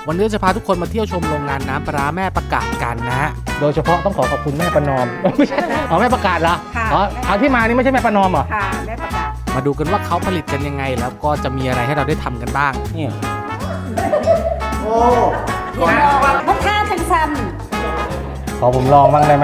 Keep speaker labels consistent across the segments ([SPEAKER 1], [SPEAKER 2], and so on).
[SPEAKER 1] วันนี้จะพาทุกคนมาเที่ยวชมโรงงานน้ำปลาร้าแม่ประกาศกันนะฮะโดยเฉพาะต้องขอขอบคุณแม่ประนอมไม่ใช่อ๋อแม่ประกาศเหรออ๋อเอาที่มานี่ไม่ใช่แม่ประนอมเหรอ
[SPEAKER 2] ค่ะแม่ประกาศ
[SPEAKER 1] มาดูกันว่าเขาผลิตกันยังไงแล้วก็จะมีอะไรให้เราได้ทำกันบ้างนี่โอ้
[SPEAKER 2] มะข่าจังซัน
[SPEAKER 1] ขอผมลองบ้างได้ไหม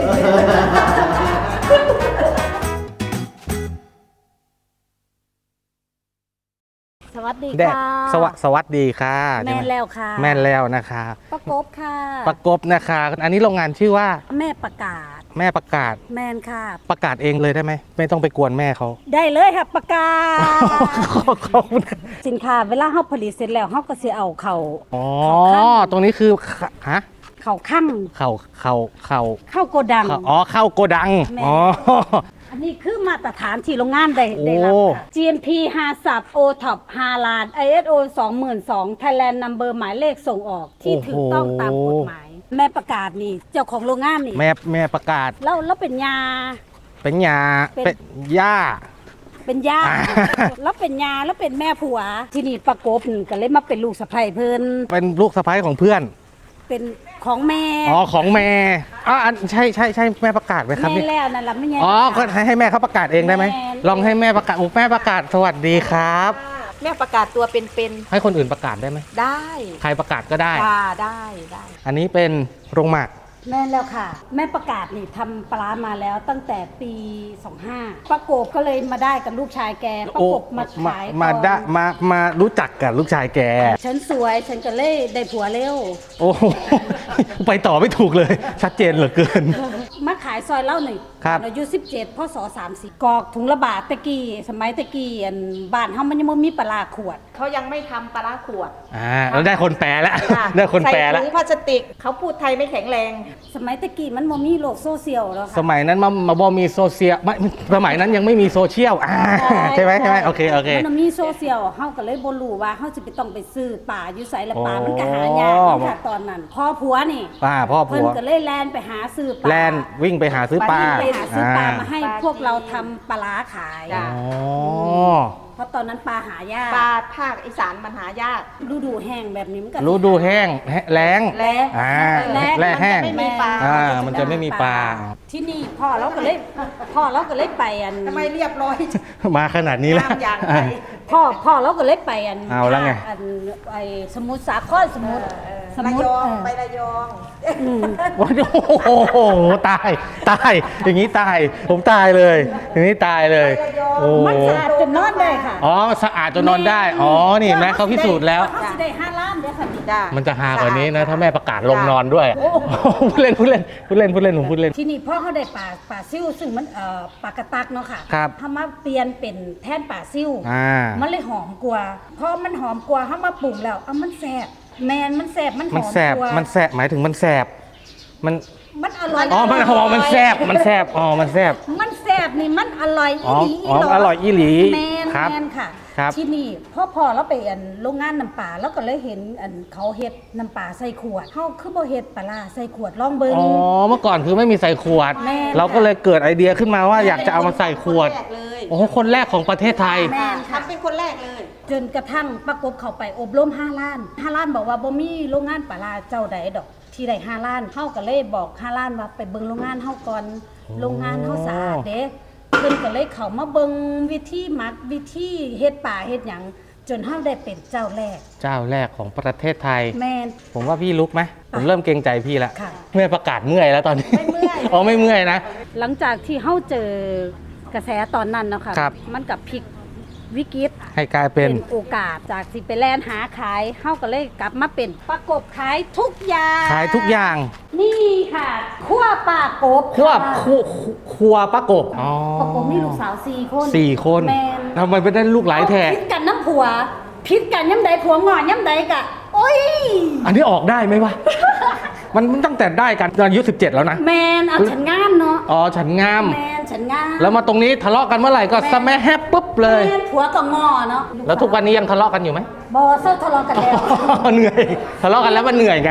[SPEAKER 2] สวัสดี
[SPEAKER 1] แดก
[SPEAKER 2] ค่ะ
[SPEAKER 1] สวัสดีค่ะ
[SPEAKER 2] แม่นแล้วค่ะ
[SPEAKER 1] แม่นแล้วนะคะ
[SPEAKER 2] ประกบค่ะ
[SPEAKER 1] ประกบนะคะอันนี้โรงงานชื่อว่า
[SPEAKER 2] แม่ประกาศ
[SPEAKER 1] แม่ประกาศ
[SPEAKER 2] แมนค่ะ
[SPEAKER 1] ประกาศเองเลยได้ไหมไม่ต้องไปกวนแม่เขา
[SPEAKER 2] ได้เลยค่ะประกาศ
[SPEAKER 1] ขอบคุณ
[SPEAKER 2] สินค้าเวลาเฮาผลิตเสร็จแล้วเฮาก็สิเอาเข้า
[SPEAKER 1] อ๋อ
[SPEAKER 2] เข้าคั่ง
[SPEAKER 1] ตรงนี้คือฮะ
[SPEAKER 2] เข้าคั่ง
[SPEAKER 1] เข่า
[SPEAKER 2] เข้าโกดัง
[SPEAKER 1] อ๋อเข้าโกดัง
[SPEAKER 2] แม่
[SPEAKER 1] อ๋อ
[SPEAKER 2] อันนี้คือมาตรฐานที่โรงงานได้
[SPEAKER 1] โอ้
[SPEAKER 2] รับค่ะ GMP 50 OTOP 5 ล้าน ISO 22,000 Thailand Number หมายเลขส่งออกที่ถูกต้องตามกฎหมาย แม่ประกาศนี่เจ้าของโรงงานนี่
[SPEAKER 1] แม่ประกาศ
[SPEAKER 2] แล้วเป็นยา
[SPEAKER 1] เป็นยา
[SPEAKER 2] เป็น
[SPEAKER 1] เป็นย่า
[SPEAKER 2] เป็นย่า
[SPEAKER 1] อ่า
[SPEAKER 2] แล้วเป็นยาแล้วเป็นแม่ผัว ที่นี่ประกบนี่ก็เลยมาเป็นลูกสะใภ้เพิ่น
[SPEAKER 1] เป็นลูกสะใภ้ของเพื่อน
[SPEAKER 2] เป็นของแม่
[SPEAKER 1] อ๋อของแม่อ๋ออันใช่แม่ประกาศไหมครับ
[SPEAKER 2] แม่
[SPEAKER 1] นี่
[SPEAKER 2] แล้วนั่นล่ะไม่ใช่
[SPEAKER 1] อ๋อก็ให้แม่เขาประกาศเองได้ไหม
[SPEAKER 2] แม่
[SPEAKER 1] ลองให้แม่ประกาศแม่ประกาศสวัสดีครับ
[SPEAKER 3] แม่ประกาศตัวเป็น
[SPEAKER 1] ให้คนอื่นประกาศได้ไหม
[SPEAKER 3] ๆได้
[SPEAKER 1] ใครประกาศก็ได้
[SPEAKER 3] ได้
[SPEAKER 1] อันนี้เป็นโรงหมัก
[SPEAKER 2] แม่แล้วค่ะ แม่ประกาศนี่ทำปลาร้ามาแล้วตั้งแต่ปี 25ประกบก็เลยมาได้กับลูกชายแกประกบมาขาย
[SPEAKER 1] มา
[SPEAKER 2] ก่อน
[SPEAKER 1] ได้มารู้จักกับลูกชายแก
[SPEAKER 2] ฉันสวยฉันก็เลยได้ผัวเร็ว
[SPEAKER 1] โอ้โห ไปต่อไม่ถูกเลย ชัดเจนเหลือเกิน
[SPEAKER 2] มาขายซอยเล่าหนึ่ง
[SPEAKER 1] ครับ
[SPEAKER 2] อายุ17พศ30กอกถุงละบาทตะกี้สมัยตะกี้อันบ้านเฮามันยังบ่มีปลาร้าขวด
[SPEAKER 3] เขายังไม่ทำปลาร้าขวด
[SPEAKER 1] แล้วได้คนแปลแล้ว
[SPEAKER 3] ค่ะ
[SPEAKER 1] ได้คนแปล
[SPEAKER 3] ใส่
[SPEAKER 1] แล้ว
[SPEAKER 3] ถุงพลาสติกเขาพูดไทยไม่แข็งแรง
[SPEAKER 2] สมัยตะกี้มันบ่มีโลกโซเชียลแล้ว
[SPEAKER 1] ส
[SPEAKER 2] ค่ะ
[SPEAKER 1] มัยนั้นมาบอมีโซเชียลไม่สมัยนั้นยังไม่มีโซเชียลใช่ไหมโอเค
[SPEAKER 2] มันบ่มีโซเชียลเฮาก็เลยบ่รู้ว่าเฮาสิไปต้องไปซื้อป่าอยู่ไสละป่า
[SPEAKER 1] อ๋อ
[SPEAKER 2] มันก็หายากนี่ค่ะตอนนั้นพ่อผัวนี่
[SPEAKER 1] พ่อ
[SPEAKER 2] เพิ่
[SPEAKER 1] ผั
[SPEAKER 2] น
[SPEAKER 1] ว
[SPEAKER 2] ก็เลยแล่นไปหาซื้อปลา
[SPEAKER 1] แลนวิ่งไปหาซื้อปลา
[SPEAKER 2] ไปหาซื้อปลามาให้
[SPEAKER 3] ปลา
[SPEAKER 2] พวกเราทำปลาร้าขาย
[SPEAKER 3] จ้ะ
[SPEAKER 1] อ๋อ
[SPEAKER 2] เพราะตอนนั้นปลาหายาก
[SPEAKER 3] ปลาภาคอีสานมันหายาก
[SPEAKER 2] ฤดูแห้งแบบนี้มันก็
[SPEAKER 1] รู้ดูแห้งแรง
[SPEAKER 3] แล้
[SPEAKER 1] แร่แห้ง
[SPEAKER 3] มันจะไม่มีปลา
[SPEAKER 1] มันจะไม่มีปลา
[SPEAKER 2] ที่นี่พ่อเราก็เลยไปอัน
[SPEAKER 3] ทำไมเรียบร้อย
[SPEAKER 1] มาขนาดนี้แล้ว
[SPEAKER 3] ตามอย่างไร
[SPEAKER 2] พ่อเราก็เลยไปอัน
[SPEAKER 1] เอาแล้วไง
[SPEAKER 2] อันไอสมุทรสาครสมุทร
[SPEAKER 3] ระยองไประยอง
[SPEAKER 1] โอ้โหตายอย่างนี้ตายผมตายเลย อย่างนี้ตายเลยโอ้
[SPEAKER 2] มันสะอาดจนนอนได้ค่ะ
[SPEAKER 1] อ๋อสะอาดจนนอนได้อ๋อนี่เห็นไหมเขาพิสูจน์แล้ว
[SPEAKER 2] เขาสิได้5 ล้านเด้อค่ะนี่
[SPEAKER 3] จ้ะ
[SPEAKER 1] มันจะฮากว่านี้นะถ้าแม่ประกาศลงนอนด้วยพูดเล่นผมพูดเล่น
[SPEAKER 2] ที่นี่พ่อเขาได้ป่าซิ่วซึ่งมันปลากระตักเนาะค่ะ
[SPEAKER 1] ครับ
[SPEAKER 2] เขามาเปลี่ยนเป็นแทนป่าซิ่ว มันเลยหอมกว่าพอมันหอมกว่าเขามาปรุงแล้วมันแซ่บแมนมันแซ่บมันหอม
[SPEAKER 1] มันแสบ
[SPEAKER 2] กว่า
[SPEAKER 1] มันแสบหมายถึงมันแสบมัน
[SPEAKER 2] มันอร่อย
[SPEAKER 1] อ๋อมันแสบมันแสบอ๋อมันแสบ
[SPEAKER 2] มันแซ่บนี่มันอร่อย
[SPEAKER 1] อ๋อ
[SPEAKER 2] อีหลี
[SPEAKER 1] อ๋ออร่อยอีหลี
[SPEAKER 2] แมน
[SPEAKER 1] ครับ
[SPEAKER 2] แมนค่ะ
[SPEAKER 1] ครับ
[SPEAKER 2] ที่นี่พ่อเราไปอันโรงงานน้ำปลาแล้วก็เลยเห็นอันเขาเฮ็ดน้ำปลาใส่ขวดเฮาคือบ่เฮ็ดปลาร้าใส่ขวดลองเบิ่ง
[SPEAKER 1] อ๋อเมื่อก่อนคือไม่มีใส่ขวด
[SPEAKER 2] แม่น
[SPEAKER 1] เราก็เลยเกิดไอเดียขึ้นมาว่าอยากจะเอามาใส่ขวด
[SPEAKER 3] คนแรกเลย
[SPEAKER 1] โอ้โหคนแรกของประเทศไทย
[SPEAKER 2] แม่นค่ะ
[SPEAKER 3] ทำเป็นคนแรกเลย
[SPEAKER 2] จนกระทั่งประกบเขาไปอบรม5 ล้าน5 ล้านบอกว่าบ่มีโรงงานปลาร้าเจ้าใดดอก ที่ได้5 ล้านเฮาก็เลยบอก5 ล้านว่าไปเบิ่งโรงงานเฮาก่อนโรงงานเฮาสะอาดเด้เพิ่นก็เลยเข้ามาเบิ่งวิธีหมักวิธีเฮ็ดปลาเฮ็ดหยังจนเฮาได้เป็นเจ้าแรก
[SPEAKER 1] เจ้าแรกของประเทศไทย
[SPEAKER 2] แม่น
[SPEAKER 1] ผมว่าพี่ลุกไหมผมเริ่มเกรงใจพี่แล้ว
[SPEAKER 2] ค่ะ
[SPEAKER 1] เมื่อยประกาศเมื่อยแล้วตอนนี้
[SPEAKER 3] ไม่เมื่อย
[SPEAKER 1] อ๋อไม่เมื่อยนะ
[SPEAKER 2] หลังจากที่เฮาเจอกระแสตอนนั้นเนาะค่ะ
[SPEAKER 1] ครับ
[SPEAKER 2] มันกับพลิกวิกฤต
[SPEAKER 1] ให้กลายเป็น
[SPEAKER 2] โอกาสจากสิไปแล่นหาขายเฮาก็เลยกลับมาเป็นประกบขายทุกอย่าง
[SPEAKER 1] ขายทุกอย่าง
[SPEAKER 2] นี่ค่ะคั่วปลากบ
[SPEAKER 1] ควบ
[SPEAKER 2] ค่ะ
[SPEAKER 1] ครัวประกบอ๋อ
[SPEAKER 2] ประกบมีลูกสาว4 คน
[SPEAKER 1] 4 คน
[SPEAKER 2] แม่น
[SPEAKER 1] ทำไมไปได้ลูกหลายแท้
[SPEAKER 2] พิษกันน้ำผัวพิษกันย้ำใดผัวงอนย้ำใดกะโอ้ย
[SPEAKER 1] อันนี้ออกได้ไหมวะ มันตั้งแต่ได้กันตอนอายุ17 แล้วนะ
[SPEAKER 2] แมนเอาฉันงามเนาะ
[SPEAKER 1] อ๋อฉันงาม
[SPEAKER 2] แมนฉันงาม
[SPEAKER 1] แล้วมาตรงนี้ทะเลาะกันเมื่อไหร่ก็สแมัแฮปปุ๊บเลย
[SPEAKER 2] แมนผัวก็งอเนาะ
[SPEAKER 1] แล้วทุกวันนี้ยังทะเลาะกันอยู่ไหม
[SPEAKER 2] บอเซอร์ทะเลาะกันแล้ว
[SPEAKER 1] เหนื่อยทะเลาะกันแล้วมันเหนื่อยไง
[SPEAKER 2] แมน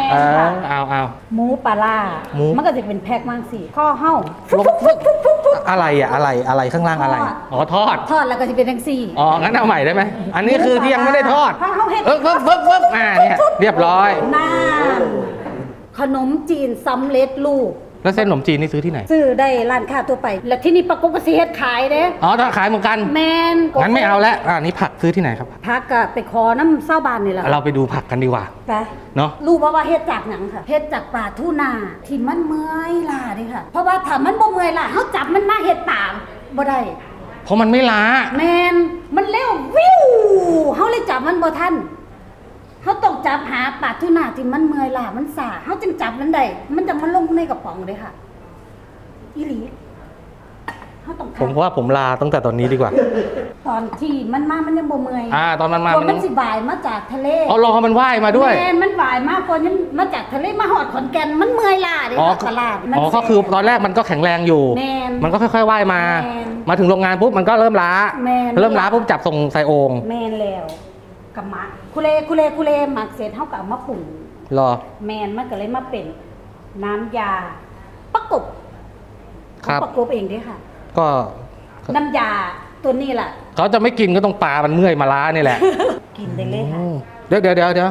[SPEAKER 1] เอา
[SPEAKER 2] หมูปลาร้า
[SPEAKER 1] หมู
[SPEAKER 2] มันก็จะเป็นแพ็คมั่งสิข้อเห่า
[SPEAKER 1] ลงอะไรอะอะไรข้างล่างอะไร อ๋อทอด
[SPEAKER 2] ทอดแล้วก็จะเป็นทั้งสี่
[SPEAKER 1] อ๋อ งั้นเอาใหม่ได้ไหม อันนี้คือที่ยังไม่ได้ทอด
[SPEAKER 2] ถ้าเขาเฮ็ด
[SPEAKER 1] ปึ๊บเนี่ยเรียบร้อย
[SPEAKER 2] น้ำขนมจีนสำเร็จรูป
[SPEAKER 1] แล้วเส้นขนมจีนนี่ซื้อที่ไหน
[SPEAKER 2] ซื้อได้ร้านค้าทั่วไป แล้วที่นี่ปะกบก็สิเฮ็ดขายเด้
[SPEAKER 1] อ๋อถ้าขายเหมือนกัน
[SPEAKER 2] แมน
[SPEAKER 1] งั้นไม่เอาแล้วนี่ผักซื้อที่ไหนครับ
[SPEAKER 2] พักก็ไปขอน้ำเศร้าบานนี่แหละ
[SPEAKER 1] เราไปดูผักกันดีกว่า
[SPEAKER 2] ไป
[SPEAKER 1] เนาะ
[SPEAKER 2] รู้ว่าเฮ็ดจากหนังค่ะเฮ็ดจากปลาทูน่าที่มันเมื่อยล่าเดิค่ะ เพราะว่าถ้ามันบ่เมื่อยล่าเฮาจับมันมาเฮ็ดตามบ่ได้
[SPEAKER 1] เพราะมันไม่ล้า
[SPEAKER 2] แมนมันเร็ววิวเฮาเลยจับมันบ่ทันเฮาต้องจับหาปลาทูน่าที่มันเมื่อยล่ามันซ่าเฮาจึงจับมันได้มันจะมาลงในกระป๋องเด้ค่ะอีหลีเฮาต้อง
[SPEAKER 1] ผมว่าผมลาตั้งแต่ตอนนี้ดีกว่า
[SPEAKER 2] ตอนที่มันมามันยังบ่เมื่อย
[SPEAKER 1] ตอนมันมา
[SPEAKER 2] กว่ามันสิบ่ายมาจากทะเล
[SPEAKER 1] อ๋อรอมันว่ายมาด้วย
[SPEAKER 2] แม่นมันบ่ายมากกว่านั้นมาจากทะเลมาหอดขอนแก่นมันเมื่อยล่าเด้
[SPEAKER 1] อ๋อ
[SPEAKER 2] ค่ะตลาดมัน
[SPEAKER 1] ก็คือตอนแรกมันก็แข็งแรงอยู่
[SPEAKER 2] แม่น
[SPEAKER 1] มันก็ค่อยๆว่ายมา
[SPEAKER 2] แม่น
[SPEAKER 1] มาถึงโรงงานปุ๊บมันก็เริ่มล้า
[SPEAKER 2] แม่น
[SPEAKER 1] เริ่มล้าปุ๊บจับส่งใส่โอ่ง
[SPEAKER 2] แม่นแล้วกับหมักคุเลหมักเสร็จเฮาก็เอามาปรุง
[SPEAKER 1] รอ
[SPEAKER 2] แม่นมันก็เลยมาเป็นน้ำยาประกบ
[SPEAKER 1] ครับ
[SPEAKER 2] ประกบเองเด้ค่ะ
[SPEAKER 1] ก็
[SPEAKER 2] น้ำยาตัวนี้ล่ะ
[SPEAKER 1] เขาจะไม่กินก็ต้องปลามันเมื่อยมาล้านี่แหละ
[SPEAKER 2] กินได้เลยค่ะ
[SPEAKER 1] เดี๋ยว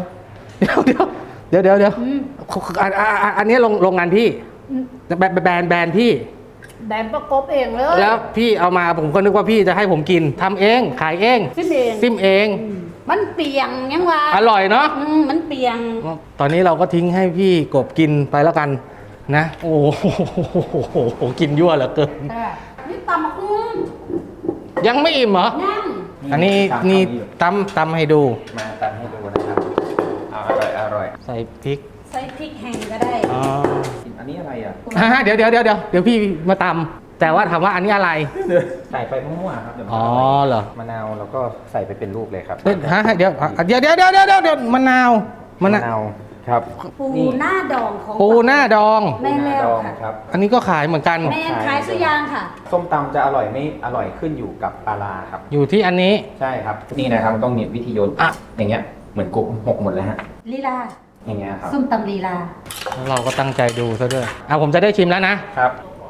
[SPEAKER 2] อืม
[SPEAKER 1] อันนี้โรงงานพี่
[SPEAKER 2] อืม
[SPEAKER 1] แบรนด์พี่
[SPEAKER 2] แบนประกบเองเลย
[SPEAKER 1] แล้วพี่เอามาผมก็นึกว่าพี่จะให้ผมกินทำเองขายเอง
[SPEAKER 2] ซิมเอง
[SPEAKER 1] ซิมเอง
[SPEAKER 2] อืมมันเปียงยังวะ
[SPEAKER 1] อร่อยเนาะ
[SPEAKER 2] มันเปียง
[SPEAKER 1] ตอนนี้เราก็ทิ้งให้พี่กบกินไปแล้วกันนะ โอ้โหกินยั่วเหลือเกิน
[SPEAKER 2] นี่ตำมะคุ้ง
[SPEAKER 1] ยังไม่อิ่มเหรอ
[SPEAKER 2] นั่ง
[SPEAKER 1] อันนี้นี่ตำให้ดู
[SPEAKER 4] มาตำให้ดูนะครับเอาอร่อย
[SPEAKER 1] ใส่พริก
[SPEAKER 2] ใส่พริกแห้งก็ได้
[SPEAKER 1] อ๋อ
[SPEAKER 4] อันนี้อะไรอ่ะ
[SPEAKER 1] เดี๋ยวพี่มาตำแต่ว่าถามว่าอันนี้อะไร
[SPEAKER 4] ใส่ไปมั่วๆครับเดี๋ยวมัน
[SPEAKER 1] อ๋อ
[SPEAKER 4] ร่ย
[SPEAKER 1] เหรอ
[SPEAKER 4] มะนาวแล้วก็ใส่ไปเป็นลูกเลยครับ
[SPEAKER 1] เดี๋ยวมะนาวมะนาว
[SPEAKER 4] ครับ
[SPEAKER 2] ปู
[SPEAKER 4] นี่
[SPEAKER 2] หน้าดองของ
[SPEAKER 1] ปูหน้าดอง
[SPEAKER 2] แม่นแล้ว
[SPEAKER 4] ดอง
[SPEAKER 2] ค่ะ
[SPEAKER 4] ครับ
[SPEAKER 1] อันนี้ก็ขายเหมือนกัน
[SPEAKER 2] แม่นขายสุยางค่ะ
[SPEAKER 4] ส้มตำจะอร่อยไม่อร่อยขึ้นอยู่กับปลาร้าครับ
[SPEAKER 1] อยู่ที่อันนี้
[SPEAKER 4] ใช่ครับ นี่นะครับต้องมีวิธีโยน
[SPEAKER 1] อ่ะ
[SPEAKER 4] อย่างเงี้ยเหมือนกุ๊กหกหมดแล้วฮะ
[SPEAKER 2] ลีลา
[SPEAKER 4] อย่างเงี้ยครับ
[SPEAKER 2] ส้มตำลีลา
[SPEAKER 1] แล้วเราก็ตั้งใจดูซะด้วยผมจะได้ชิมแล้วนะครับ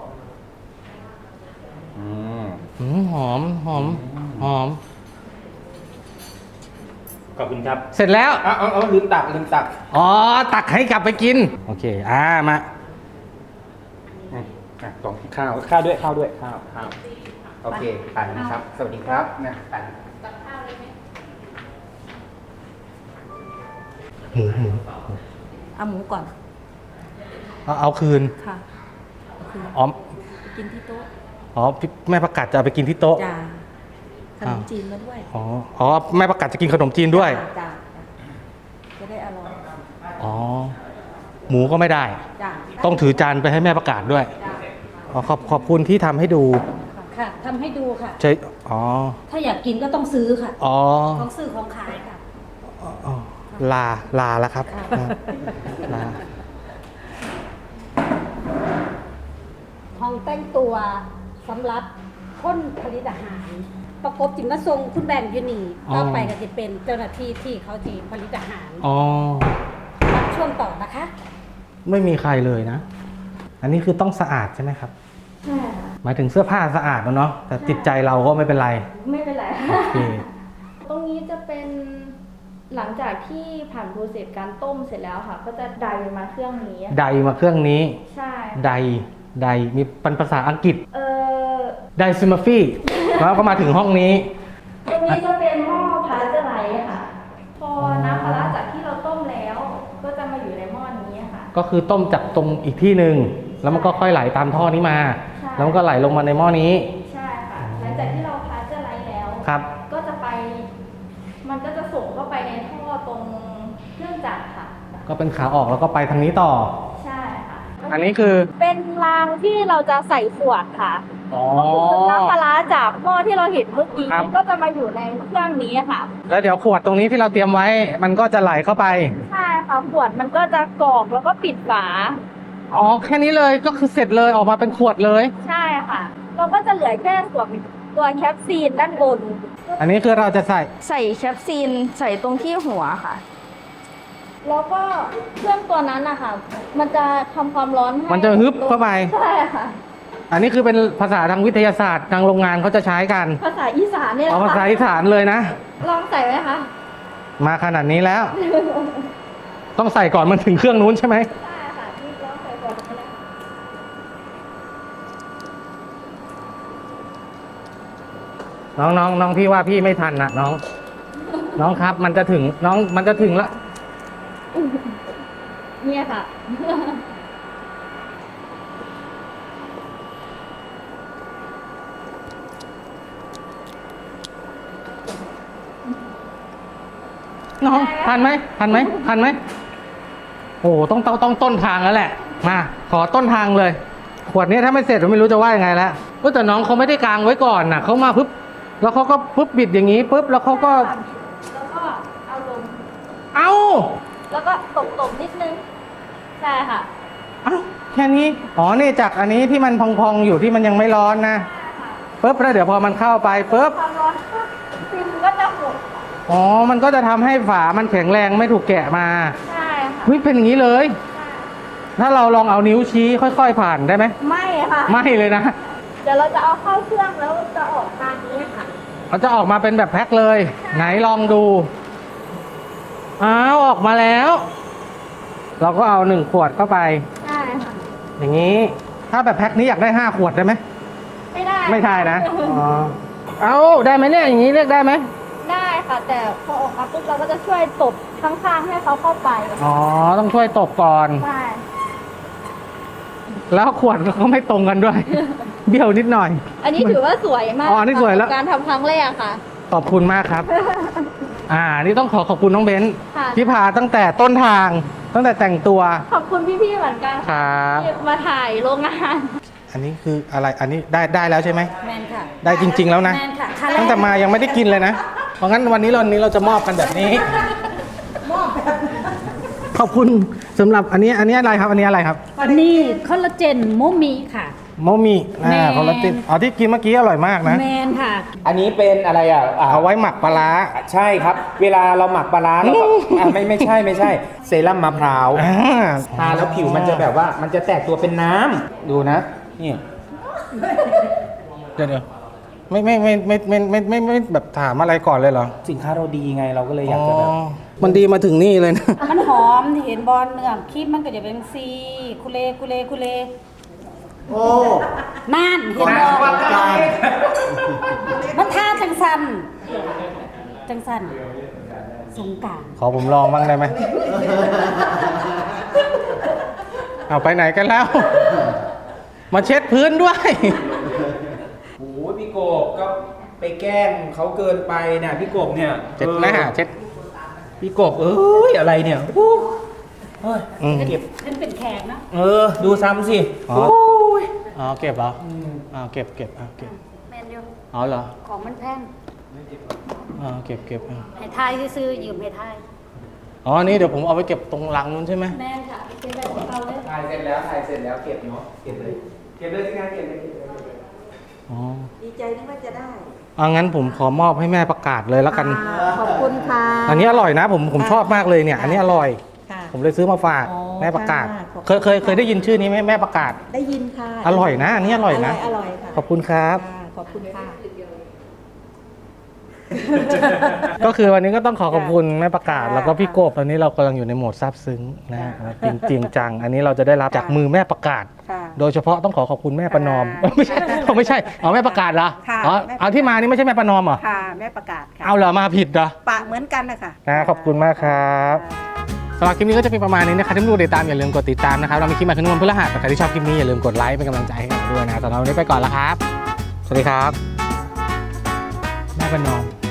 [SPEAKER 1] หอม
[SPEAKER 4] ขอบคุณครับ
[SPEAKER 1] เสร็จแล้ว
[SPEAKER 4] เอาลืมตัก
[SPEAKER 1] อ๋อ ตักให้กลับไปกิน โอเค มา
[SPEAKER 4] ตรงข้าวด้วยข้าวโอเคไปนะครับ สวัสดีครับนะไป
[SPEAKER 1] หมู
[SPEAKER 2] เอาหมูก่อน
[SPEAKER 1] เอาคืน
[SPEAKER 2] ค่ะ
[SPEAKER 1] อ๋อ
[SPEAKER 2] กินที่โต๊ะ
[SPEAKER 1] พี่แม่ประกาศจะเอาไปกินที่โต๊ะ
[SPEAKER 2] จ้าขนมจีนมาด้วย
[SPEAKER 1] อ๋อ แม่ประกาศจะกินขนมจีนด้วย
[SPEAKER 2] จ้าจะได้อร่อย
[SPEAKER 1] อ๋อ หมูก็ไม่ได้
[SPEAKER 2] จ้า
[SPEAKER 1] ต้องถือจานไปให้แม่ประกาศด้วย
[SPEAKER 2] จ้า
[SPEAKER 1] ขอบคุณที่ทำให้ดู
[SPEAKER 2] ค่ะทำให้ดูค่ะ
[SPEAKER 1] ใช่อ๋อ
[SPEAKER 2] ถ้าอยากกินก็ต้องซื้อค่ะ
[SPEAKER 1] อ๋อ
[SPEAKER 2] ของซื้อของขายค่ะ
[SPEAKER 1] อ๋อลาแล้วครับ
[SPEAKER 2] ค่ะ
[SPEAKER 1] ลา
[SPEAKER 2] ห้องแต่งตัวสำหรับคนผลิตอาหาร ประกบจิมมาทรงคุณแบงค์อยู่นี่ต่อไปก็จะเป็นเจ้าหน้าที่ที่เขาจีผลิตอาหาร
[SPEAKER 1] อ๋อ
[SPEAKER 2] รับช่วงต่อนะคะ
[SPEAKER 1] ไม่มีใครเลยนะ อันนี้คือต้องสะอาดใช่ไหมครับ
[SPEAKER 2] ใช่ค่ะ
[SPEAKER 1] หมายถึงเสื้อผ้าสะอาดแล้วเนาะ แต่จิตใจเราก็ไม่เป็นไร
[SPEAKER 5] ไม่เป็นไร
[SPEAKER 1] โอเค
[SPEAKER 5] ตรงนี้จะเป็นหลังจากที่ผ่านโปรเซสการต้มเสร็จแล้วค่ะ ก็จะไดมาเครื่องนี้
[SPEAKER 1] ไดมาเครื่องนี้
[SPEAKER 5] ใช่
[SPEAKER 1] ไดมีเป็นภาษาอังกฤษ
[SPEAKER 5] เออ
[SPEAKER 1] ไดซิมาฟี่แล้วก็มาถึงห้องนี้
[SPEAKER 5] ตรงนี้จะเป็นหม้อพาสเจอร์ไลท์ค่ะ พอน้ำปลาร้าจากที่เราต้มแล้ว ก็จะมาอยู่ในหม้อนี้ค่ะ
[SPEAKER 1] ก็คือต้มจากตรงอีกที่หนึ่งแล้วมันก็ค่อยไหลตามท่อนี้มา
[SPEAKER 5] ใช่
[SPEAKER 1] แล้วมันก็ไหลลงมาในหม้อนี้
[SPEAKER 5] ใช่ค่ะ หลังจากที่เราพาสเจอร์ไลท์แล้ว
[SPEAKER 1] ครับ
[SPEAKER 5] ก็จะไป มันก็จะส่งเข้าไปในท่อตรงเครื่องจักรค่ะ
[SPEAKER 1] ก็เป็นขาออกแล้วก็ไปทางนี้ต่อ
[SPEAKER 5] ใช่ค่ะ
[SPEAKER 1] อันนี้คือ
[SPEAKER 5] เป็นรางที่เราจะใส่ขวดค่ะ
[SPEAKER 1] อ๋อ
[SPEAKER 5] น้ำปลาร้าจากหม้อที่เราเห็นเมื่อกี้
[SPEAKER 1] ครับ
[SPEAKER 5] ก็จะมาอยู่ในเครื่องนี้ค่ะ
[SPEAKER 1] แล้วเดี๋ยวขวดตรงนี้ที่เราเตรียมไว้ มันก็จะไหลเข้าไป
[SPEAKER 5] ใช่ค่ะขวดมันก็จะกรอกแล้วก็ปิดฝา
[SPEAKER 1] อ๋อ แค่นี้เลยก็คือเสร็จเลยออกมาเป็นขวดเลย
[SPEAKER 5] ใช่ค่ะ เราก็จะเหลือแค่ตัวแคปซีนด้านบน
[SPEAKER 1] อันนี้คือเราจะใส่
[SPEAKER 5] ใส่แคปซีนใส่ตรงที่หัวค่ะแล้วก็เครื่องตัวนั้นนะคะมันจะทำความร้อนให้
[SPEAKER 1] มันจะฮึบเข้าไป
[SPEAKER 5] ใช่ค่ะ
[SPEAKER 1] อันนี้คือเป็นภาษาทางวิทยาศาสตร์ทางโรงงานเขาจะใช้กัน
[SPEAKER 5] ภาษาอีสานเนี่ยแหละ
[SPEAKER 1] เอาภาษา
[SPEAKER 5] ค่ะ
[SPEAKER 1] อีสานเลยนะ
[SPEAKER 5] ลองใส่ไหมคะ
[SPEAKER 1] มาขนาดนี้แล้ว ต้องใส่ก่อนมันถึงเครื่องนู้นใช่ไหม
[SPEAKER 5] ใช่ค่ะที่ลองใส่ก่อนก็ได้
[SPEAKER 1] น้องพี่ว่าพี่ไม่ทันนะน้อง น้องครับมันจะถึงมันจะถึงแล้ว
[SPEAKER 5] เนี่ยค่ะ
[SPEAKER 1] น้องทันไหมโอ้ต้องต้นทางแล้วแหละ มาขอต้นทางเลย ขวดนี้ถ้าไม่เสร็จผมไม่รู้จะว่ายังไงแล้วแต่น้องเขาไม่ได้กางไว้ก่อนน่ะเขามาปุ๊บแล้วเขาก็ปุ๊บบิดอย่างนี้ปุ๊บแล้วเขาก็
[SPEAKER 5] แล้วก็เอาลง
[SPEAKER 1] เอ้า
[SPEAKER 5] แล้วก็ตบนิดนึง ใช่ค่ะ
[SPEAKER 1] เอ้าแค่นี้อ๋อนี่จากอันนี้ที่มันพองๆอยู่ที่มันยังไม่ร้อนนะปุ๊บแล้วเดี๋ยวพอมันเข้าไปปุ๊บ
[SPEAKER 5] ความร้อนปุ๊บฟิล์มก็จะหมด
[SPEAKER 1] อ๋อมันก็จะทำให้ฝามันแข็งแรงไม่ถูกแกะมา
[SPEAKER 5] ใช่ค่ะ
[SPEAKER 1] เฮ้ยเป็นอย่างนี้เลย ถ้าเราลองเอานิ้วชี้ค่อยๆผ่านได้ไหม
[SPEAKER 5] ไม่ค่ะ
[SPEAKER 1] ไม่เลยนะ
[SPEAKER 5] เดี๋ยวเราจะเอาเข้าเครื่องแล้วจะออกทางนี้ค่ะ
[SPEAKER 1] มันจะออกมาเป็นแบบแพ็คเลย ไหนลองดู อ้าวออกมาแล้ว เราก็เอา1 ขวดเข้าไป
[SPEAKER 5] ใช่ค่ะ
[SPEAKER 1] อย่างนี้ ถ้าแบบแพ็คนี้อยากได้5 ขวดได้ไหม
[SPEAKER 5] ไม่ได้
[SPEAKER 1] ไม่ได้นะ อ๋อ เอาได้ไหมเนี่ย อย่างนี้เรียกได้ไหม
[SPEAKER 5] ได้ค่ะ แต่พอออกมาปุ๊บเราก็จะช่วยตบข้างๆให้เขาเข้าไป
[SPEAKER 1] อ๋อ ต้องช่วยตบก่อน
[SPEAKER 5] ใช่
[SPEAKER 1] แล้วขวดก็ไม่ตรงกันด้วย เบี้ยวนิดหน่อย
[SPEAKER 5] อันนี้ถือว่าสวยมาก
[SPEAKER 1] อ๋ออันนี้สวยแล้ว
[SPEAKER 5] กับการทำครั้งแรกค่ะ
[SPEAKER 1] ขอบคุณมากครับ นี่ต้องขอบคุณน้องเบนซ์
[SPEAKER 5] ค่ะ
[SPEAKER 1] ที่พาตั้งแต่ต้นทาง ตั้งแต่แต่งตัว
[SPEAKER 5] ขอบคุณพี่ๆเหมือนกัน
[SPEAKER 1] ครับ
[SPEAKER 5] ที่มาถ่ายโรงงาน
[SPEAKER 1] อันนี้คืออะไร อันนี้ได้แล้วใช่ไหม
[SPEAKER 2] แมนค่ะ
[SPEAKER 1] ได้จริง ๆ แล้วนะ
[SPEAKER 2] แมนค่ะขั้น
[SPEAKER 1] ตั้งแต่มายังไม่ได้กินเลยนะ เพราะงั้นวันนี้เราจะมอบกันแบบนี้ ขอบคุณสำหรับอันนี้อะไรครับ อันนี้อะไรครับ
[SPEAKER 2] อันนี้คอลลาเจนโมมิค่ะ
[SPEAKER 1] โมมิ
[SPEAKER 2] แมน
[SPEAKER 1] คอลลาเจนที่กินเมื่อกี้อร่อยมากนะ
[SPEAKER 2] แมนค่ะ
[SPEAKER 4] อันนี้เป็นอะไร
[SPEAKER 1] เอาไว้หมักปลาร้า
[SPEAKER 4] ใช่ครับ เวลาเราหมักปลาร้าเราก็ไม่ใช่เซรั่มมะพร้าว
[SPEAKER 1] อ่า
[SPEAKER 4] ทาแล้วผิวมันจะแบบว่ามันจะแตกตัวเป็นน้ำดูนะนี่
[SPEAKER 1] เดี๋ยวไม่แบบถามอะไรก่อนเลยเหรอ
[SPEAKER 4] สินค้าเราดีไงเราก็เลยอยากจะแบบ
[SPEAKER 1] มันดีมาถึงนี่เลยนะ
[SPEAKER 2] มันหอมที่เห็นบอลเนื้อครีมมันก็จะเป็นซีคุเล
[SPEAKER 4] โอ้
[SPEAKER 2] นั่นเห็นบอมันท่าจังสันสงกรานต์
[SPEAKER 1] ขอผมลองบ้างได้ไหม เอาไปไหนกันแล้ว มาเช็ดพื้นด้วย
[SPEAKER 4] โอ้ยพี่กบก็ไปแกล้งเขาเกินไปเนี่ยพี่กบเนี่ย
[SPEAKER 1] เช็ดหน้าเช็ด
[SPEAKER 4] พี่กบอะไรเนี่ยเฮ้ย เก็บ
[SPEAKER 2] ฉันเป็นแขกนะ
[SPEAKER 4] ดูซ้ำสิ
[SPEAKER 1] อ๋อ
[SPEAKER 4] โอ้ย
[SPEAKER 1] อ๋อเก็บเหรอเก็บเก็บ
[SPEAKER 2] แมนอยู่
[SPEAKER 1] อ๋อเหรอ
[SPEAKER 2] ของมันแพง
[SPEAKER 1] เก็บ
[SPEAKER 2] ให้ทายซื้อๆยืมให้ทาย
[SPEAKER 1] อ๋อนี่เดี๋ยวผมเอาไปเก็บตรงลังนู้นใช่ไหม
[SPEAKER 2] แมนค่ะเป็นแบบของเราเลย
[SPEAKER 4] ถ่ายเสร็จแล้วเก็บเนาะเก็บเลยที่งานเก็บเลย
[SPEAKER 1] อ๋อ
[SPEAKER 3] ดีใจที่ว่าจะได้
[SPEAKER 1] งั้นผมขอมอบให้แม่ประกาศเลยแล้วกัน
[SPEAKER 3] ขอบคุณค่ะ
[SPEAKER 1] อันนี้อร่อยนะผมชอบมากเลยเนี่ย อันนี้อร่อย
[SPEAKER 3] ค่ะ
[SPEAKER 1] ผมเลยซื้อมาฝาก
[SPEAKER 3] อ๋อ
[SPEAKER 1] แม่ประกาศ
[SPEAKER 3] ค่ะขอบคุณ
[SPEAKER 1] เคยได้ยินชื่อนี้ไหมแม่ประกาศ
[SPEAKER 3] ได้ยินค่ะ
[SPEAKER 1] อร่อยนะ อันนี้อร่อยนะ
[SPEAKER 3] อร่อยค่ะ
[SPEAKER 1] ขอบคุณครับ
[SPEAKER 3] ค่ะขอบคุณค่ะ
[SPEAKER 1] ก็คือวันนี้ก็ต้องขอบคุณแม่ประกาศ
[SPEAKER 3] ค่ะ
[SPEAKER 1] แล้วก็พี่กบตอนนี้เรากำลังอยู่ในโหมดซาบซึ้งนะฮะจริงจังอันนี้เราจะได้รับจากมือแม่ประกาศ
[SPEAKER 3] ค่ะ
[SPEAKER 1] โดยเฉพาะต้องขอบคุณแม่ประนอม
[SPEAKER 3] ค่ะ
[SPEAKER 1] ไม่ใช่แม่ประกาศเหรอ
[SPEAKER 3] ค่ะ
[SPEAKER 1] อ๋อ
[SPEAKER 3] แม่ประกาศ
[SPEAKER 1] เอาที่มานี่ไม่ใช่แม่ประนอมเหรอ
[SPEAKER 3] ค่ะแม่ประกาศค่ะ
[SPEAKER 1] เอาเหรอมาผิดเหรอ
[SPEAKER 3] ปะเหมือนกันนะคะ
[SPEAKER 1] ขอบคุณมากครับสำหรับคลิปนี้ก็จะเป็นประมาณนี้นะครับถ้าไม่ดูติดตามอย่าลืมกดติดตามนะครับเรามีคลิปมาทุกวันพฤหัสใครที่ชอบคลิปนี้อย่าลืมกดไลค์เป็นกำลังใจให้เราด้วยนะสำหรับวันนี้ไปก่อนแล้วครับ สวัสดีครับแม่ประนอม